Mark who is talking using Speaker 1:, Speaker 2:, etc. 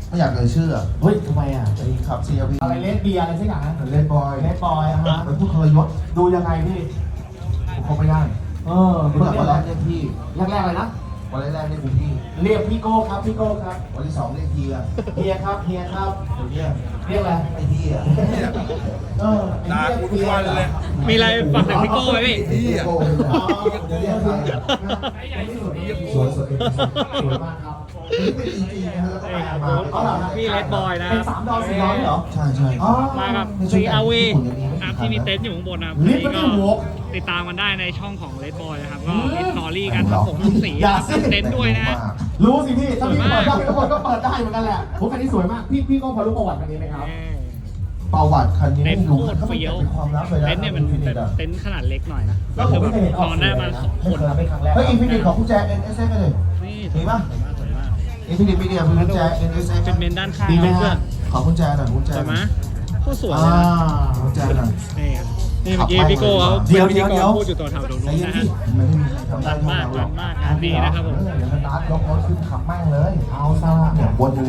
Speaker 1: ไม่อยากเอ่ยชื่อ
Speaker 2: เฮ้ยทำไมอ่ะ
Speaker 1: ไอ้ขับ CRV
Speaker 2: อะไรเลสเบียร์อะไรสักอย่างนะ
Speaker 1: เล่นบอย
Speaker 2: เลสบอยอะฮะ
Speaker 1: เป็นผู้ทรยศ
Speaker 2: ดูยังไงพี่
Speaker 1: ผมคบไม่ได้
Speaker 2: ดู
Speaker 1: เมื่อ
Speaker 2: แร
Speaker 1: วันแร
Speaker 2: ก
Speaker 1: กเรียกพี่
Speaker 2: แรกเลยนะ
Speaker 1: วันแรกเรียกคุณพี่
Speaker 2: เรียกพี่โก้ครับพี่โก้ครับ
Speaker 1: วันที่สองเรียกเฮีย
Speaker 2: เฮียครับเฮียครับ
Speaker 1: เดี๋ยวเนี้ย
Speaker 2: เรียกอะไร
Speaker 1: ไอ้เฮีย
Speaker 3: ด่ากูทุกวันเลย
Speaker 4: มีอะไรฝากถึงพี่โก้ไหมพี่
Speaker 1: ไอ้เฮียโก้เลยเหรอเดี๋ยวเรียกใครอะ สวยสวย
Speaker 2: สวยมากครับ
Speaker 1: อันนี้เป็นจริงๆนะแล้วก็ไปเอามา
Speaker 2: อ๋อเหรอ
Speaker 4: พี่เลดบอยนะ
Speaker 2: เป็น3 ดอ 4 ดอเหรอ
Speaker 1: ใช่ใช่
Speaker 2: อ๋อ
Speaker 4: มากับ
Speaker 1: ในช่วงการ
Speaker 4: CRV
Speaker 1: ญี่ปุ่นยังมีไม่
Speaker 4: ครับ
Speaker 1: กี่คั
Speaker 4: ที่
Speaker 1: น
Speaker 4: มี
Speaker 1: นะ
Speaker 4: เต็นท์อยู่ข้างบนนะครับ
Speaker 2: ลิฟต์ไม่ได้หก
Speaker 4: ติดตามกันได้ในช่องของเลดบอยนะครับ ก็มีสตอรี่กันครับผมสี
Speaker 2: อย่า
Speaker 4: ครับ
Speaker 2: สิ
Speaker 4: เต็นท์ด้วยนะ
Speaker 2: รู้สิพี่ถ้าพี่
Speaker 4: สวย
Speaker 2: เปิ
Speaker 4: มา
Speaker 2: ด
Speaker 4: ก
Speaker 2: ได้ทุกคนก็เปิดได้เหมือนกันแหละผมคันนี้สวยมากพี่ก็พอรู้ประวัติคันนี้ไหมครับ
Speaker 1: ประวัติคันนี้
Speaker 4: เต็
Speaker 1: ไม่
Speaker 4: นท์โค
Speaker 1: รู้
Speaker 4: ตรเฟี้ยว
Speaker 1: เป็นความลับเลยนะ
Speaker 4: เต็นท์เนี่ยมัน
Speaker 1: อิฟินิตอะ
Speaker 4: เต็นท์ขนาดเล็กหน่อยนะ
Speaker 2: แล้
Speaker 4: ก็
Speaker 2: วผ
Speaker 4: คื
Speaker 2: ม
Speaker 4: อ
Speaker 2: ไม่
Speaker 4: แบบ
Speaker 2: เคยเห็นอ
Speaker 4: น
Speaker 2: อก
Speaker 4: อนได้มา
Speaker 2: นะ
Speaker 4: 2 คน
Speaker 2: เป็นครั้งแรก
Speaker 1: เฮ้ยอินฟินิตของคุณแจ๊ NSX กันเลย
Speaker 4: นี่
Speaker 1: มีปะ
Speaker 4: สวยมาก
Speaker 1: อินฟินิตมีเดียคุณแจ๊ NSX
Speaker 4: เป็นเมนด้านข้าง
Speaker 2: ดีไหม
Speaker 4: เพื่อ
Speaker 2: ฮะ
Speaker 4: น
Speaker 1: ขอคุณแจ๊หน่อยคุณแจ๊
Speaker 4: สวยไหมโคตรสวย
Speaker 1: อ่า
Speaker 4: เลยนะ
Speaker 1: คุณแจ๊หน่อย
Speaker 4: นี่ครับนี่เมื่อกี้พี่โก้เขา
Speaker 1: เดี๋ยว
Speaker 4: เป็นพิธีก
Speaker 1: เดี๋
Speaker 4: ร
Speaker 1: ยว
Speaker 4: พูดอยู่ตัวแถวตรง
Speaker 1: ใจ
Speaker 4: นู้น
Speaker 1: เย็น
Speaker 4: นะ
Speaker 1: ที่
Speaker 4: ฮะ
Speaker 1: ไม่ได้มีใครทำได้
Speaker 4: มันมาก
Speaker 1: เท่าเราหรอก
Speaker 4: งานดีนะครับผม
Speaker 1: เดี๋ยวสตาร์ทยกรถขึ้นขับแม่งเลย
Speaker 2: เอาซะ
Speaker 1: เนี่ยวนอยู่